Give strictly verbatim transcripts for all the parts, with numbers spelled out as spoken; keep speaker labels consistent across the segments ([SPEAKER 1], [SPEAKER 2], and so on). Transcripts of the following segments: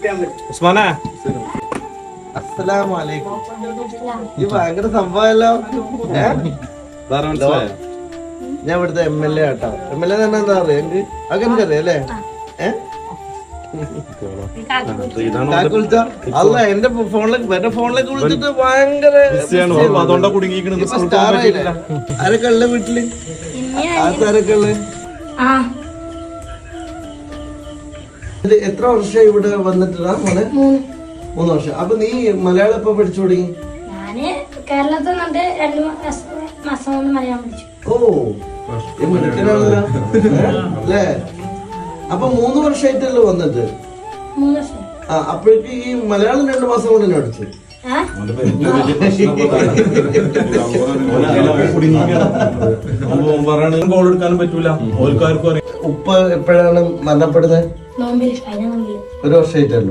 [SPEAKER 1] ഉസ്മാനെ
[SPEAKER 2] അസ്സലാമു അലൈക്കും. ഈ ഭയങ്കര സംഭവമല്ലോ. ഞാൻ ഇവിടുത്തെ എം എൽ എ ആട്ടോ. എം എൽ എ തന്നെ എന്താ പറയാ എനിക്ക് അതൊക്കെ എനിക്കറിയാം അല്ലേ? ഏഹ് അല്ല എന്റെ ഫോണിലേക്ക് എന്റെ ഫോണിലേക്ക് വിളിച്ചിട്ട് ഭയങ്കര ആരൊക്കെ ഉള്ള വീട്ടില് ആരൊക്കെ ഉള്ള എത്ര വർഷം ഇവിടെ വന്നിട്ടാ മോനെ? മൂന്ന് വർഷം. അപ്പൊ നീ മലയാളം എപ്പോ പഠിച്ചു തുടങ്ങി?
[SPEAKER 3] കേരളത്തിൽ നിന്നിട്ട് രണ്ടു മാസം കൊണ്ട് മലയാളം പഠിച്ചു.
[SPEAKER 2] ഓ മിടുക്കനാണല്ലോ അല്ലേ? അപ്പൊ മൂന്ന് വർഷമായിട്ടല്ലോ വന്നിട്ട്?
[SPEAKER 3] മൂന്ന് വർഷം.
[SPEAKER 2] ആ അപ്പോഴേക്ക് ഈ മലയാളം രണ്ടു മാസം കൊണ്ട് തന്നെ പഠിച്ചു. ഉപ്പ എപ്പോഴാണ് മരണപ്പെടുന്നത്? ഒരു വർഷമായിട്ടല്ലോ.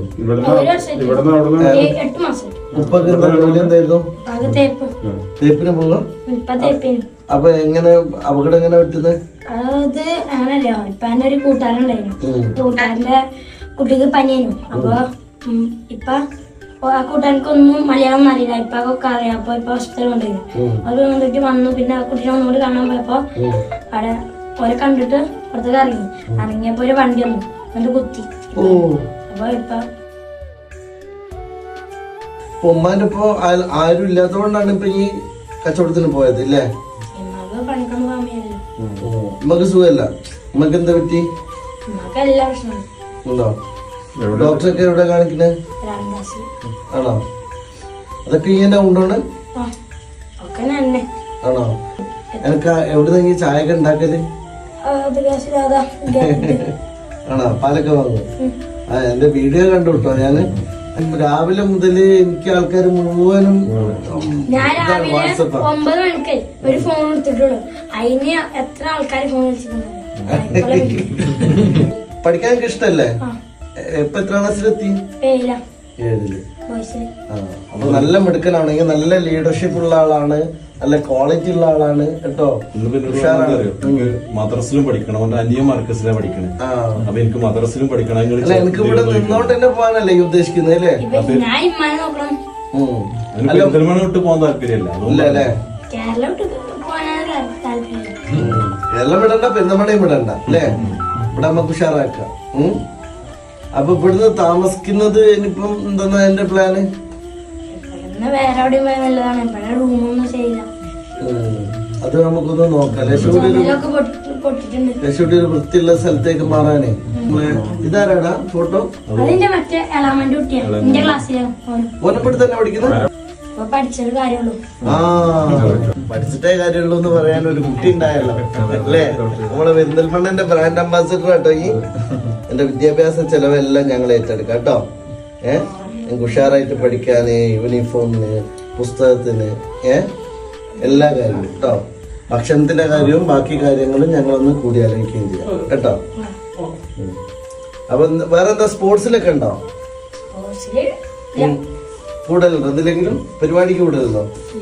[SPEAKER 2] ഉപ്പൊക്കെ ജോലി എന്തായിരുന്നു? തേപ്പിന് പോകാം. അപ്പൊ എങ്ങനെ അപകടം എങ്ങനെ പറ്റുന്നത്?
[SPEAKER 3] അത് അങ്ങനല്ലോ. ഇപ്പൊ എന്റെ ഒരു കൂട്ടുകാരുണ്ടായിരുന്നു. കൂട്ടുകാരന്റെ കുട്ടിക്ക് പനിയായിരുന്നു. അപ്പൊ ഇപ്പൊ ആ കൂട്ടുകാർക്കൊന്നും മലയാളം അറിയില്ല. ഇപ്പൊ ഒക്കെ അറിയാം. അപ്പൊ ഇപ്പൊ ഹോസ്പിറ്റലിൽ കൊണ്ടുപോയി. അത് കൊണ്ടിട്ട് വന്നു. പിന്നെ ആ കുട്ടീനെ ഒന്നുകൂടി കാണാൻ പോയപ്പോ അവിടെ ഓരെ കണ്ടിട്ട് പുറത്തേക്ക് ഇറങ്ങി. ഇറങ്ങിയപ്പോ ഒരു വണ്ടി വന്നു. എന്നിട്ട് കുത്തി. അപ്പൊ ഇപ്പൊ
[SPEAKER 2] ഉമ്മാന്റെ ഇപ്പൊ ആരും ഇല്ലാത്തതുകൊണ്ടാണ് ഇപ്പൊ ഈ കച്ചവടത്തിന് പോയത് ഇല്ലേ?
[SPEAKER 3] പണിക്കൊന്നും പോകാൻ വയ്യല്ലോ.
[SPEAKER 2] ഉമ്മക്ക് സുഖമല്ല. ഉമ്മക്ക് എന്താ പറ്റി?
[SPEAKER 3] ഉമ്മക്ക് എല്ലാ പ്രശ്നവും
[SPEAKER 2] ഉണ്ടോ? ഡോക്ടറൊക്കെ എവിടെ കാണിക്കുന്നത്? ആണോ? അതൊക്കെ ഇങ്ങനെ ഉണ്ടോണ്? ആണോ? എനക്ക് എവിടെ നിന്ന് ചായ ഒക്കെ ഉണ്ടാക്കല്? ആണോ? പാലൊക്കെ വാങ്ങും. ആ എന്റെ വീഡിയോ കണ്ടു കേട്ടോ. ഞാന് രാവിലെ മുതല് എനിക്ക് ആൾക്കാർ മുഴുവനും
[SPEAKER 3] വാട്സപ്പ് ഒമ്പത് മണിക്ക് ഒരു ഫോൺ എടുത്തിട്ടുള്ളൂ. അതിന് എത്ര ആൾക്കാർ ഫോൺ വിളിച്ചിട്ടുണ്ടോ?
[SPEAKER 2] പഠിക്കാൻ എനിക്ക് ഇഷ്ടല്ലേ? ഇപ്പൊ എത്ര ക്ലാസ്സിലെത്തി? ഏഴില്. അപ്പൊ നല്ല മിടുക്കനാണെങ്കിൽ നല്ല ലീഡർഷിപ്പ് ഉള്ള ആളാണ്, നല്ല ക്വാളിറ്റി ഉള്ള ആളാണ് കേട്ടോ.
[SPEAKER 1] മദ്രസിലും പഠിക്കണം. അവന്റെ അന്യ മാർക്കസിലാണ് പഠിക്കണേ. അപ്പൊ എനിക്ക് മദ്രസിലും പഠിക്കണം.
[SPEAKER 2] എനിക്ക് ഇവിടെ നിന്നോണ്ട് തന്നെ പോകാനല്ലേ ഈ ഉദ്ദേശിക്കുന്നത് അല്ലേ?
[SPEAKER 1] പെരിന്തൽമണ്ണ വിട്ട് പോകാൻ താല്പര്യമില്ല.
[SPEAKER 2] അല്ലേ? കേരളം വിടണ്ട, പെരുന്തൽമണ്ണയും വിടണ്ട അല്ലേ? ഇവിടെ നമുക്ക് ഉഷാറാക്കാം. അപ്പൊ ഇവിടുന്ന് താമസിക്കുന്നത് ഇനിയിപ്പം എന്താ എന്റെ പ്ലാന്? അത് നമുക്കൊന്ന് നോക്കാം. ലക്ഷ്മിയുടെ ഒരു വൃത്തിയുള്ള സ്ഥലത്തേക്ക് മാറാനേ. ഇതാരാടാ ഫോട്ടോ? ഓനപ്പെടുത്ത് തന്നെ പഠിക്കുന്നത്? ആ പഠിച്ചിട്ടേ കാര്യമുള്ളൂ എന്ന് പറയാൻ ഒരു കുട്ടി ഉണ്ടായല്ലോ അല്ലേ? നമ്മളെ പെരിന്തൽമണ്ണന്റെ ബ്രാൻഡ് അംബാസിഡർ കേട്ടോ. ഈ എന്റെ വിദ്യാഭ്യാസ ചെലവെല്ലാം ഞങ്ങൾ ഏറ്റെടുക്കാം കേട്ടോ. ഏഹ് ഞങ്ങൾക്ക് ഉഷാറായിട്ട് പഠിക്കാന്, യൂണിഫോമിന്, പുസ്തകത്തിന്, ഏഹ് എല്ലാ കാര്യവും കേട്ടോ. ഭക്ഷണത്തിന്റെ കാര്യവും ബാക്കി കാര്യങ്ങളും ഞങ്ങളൊന്ന് കൂടി ആലോചിക്കുകയും ചെയ്യാം കേട്ടോ. അപ്പൊ വേറെന്താ സ്പോർട്സിലൊക്കെ ഉണ്ടോ? കൂടുതലുണ്ടോ? എന്തിലെങ്കിലും പരിപാടിക്ക് കൂടുതലുണ്ടോ?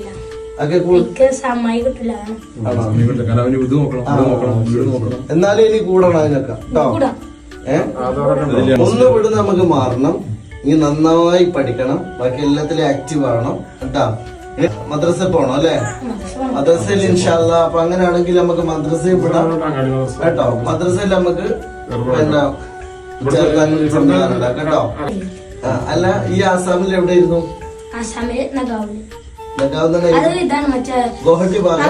[SPEAKER 2] എന്നാലും ഇനി കൂടണം അതിനൊക്കെ കേട്ടോ. ഏഹ് ഒന്ന് വിട് നമുക്ക് മാറണം. ഇനി നന്നായി പഠിക്കണം. ബാക്കി എല്ലാത്തിലും ആക്റ്റീവ് ആവണം കേട്ടോ. മദ്രസ പോണം അല്ലെ? മദ്രസയിൽ ഇൻഷാല്ലാ. അപ്പൊ അങ്ങനെയാണെങ്കിൽ നമുക്ക് മദ്രസയിൽ വിടാം കേട്ടോ. മദ്രസയിൽ നമുക്ക് പിന്നെ ചേർക്കാൻ കേട്ടോ. അല്ല ഈ ആസാമിൽ എവിടെയായിരുന്നു? ഗുവാഹട്ടി ഭാഗം.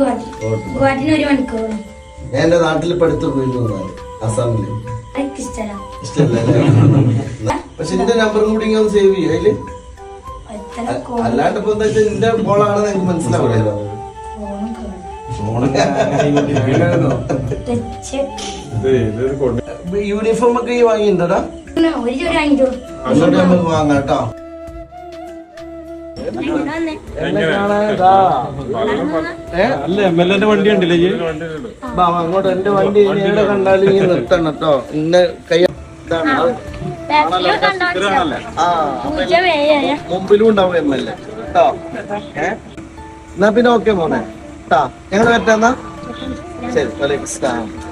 [SPEAKER 2] ഞാൻ എന്റെ നാട്ടിൽ പഠിത്തു പോയിരുന്നു ആസാമില്. ഇഷ്ടല്ലേ? പക്ഷെ എന്റെ നമ്പറും കൂടി ഇങ്ങനെ സേവ് ചെയ്യും അതില്. അല്ലാണ്ട് ഇപ്പൊ എന്താ വെച്ചാൽ എന്റെ ബോളാണെന്ന് എനിക്ക് മനസ്സിലാവില്ലല്ലോ. യൂണിഫോം ഒക്കെ ഈ വാങ്ങിണ്ടോടാ? നമുക്ക് വാങ്ങാം കേട്ടോ.
[SPEAKER 1] അല്ല എം എൽ എന്റെ വണ്ടി ഉണ്ടല്ലേ?
[SPEAKER 2] അങ്ങോട്ട് എന്റെ വണ്ടി എവിടെ കണ്ടാലും ഈ നിർത്തണം കേട്ടോ. ഇന്നെ കൈ മുമ്പിലും ഉണ്ടാവും എം എൽ എ കേട്ടോ. എന്നാ പിന്നെ ഓക്കെ മോനെ കേട്ടാ. ഞങ്ങൾ പറ്റാന്നാ ശരി. വലൈക്കും സ്സലാം.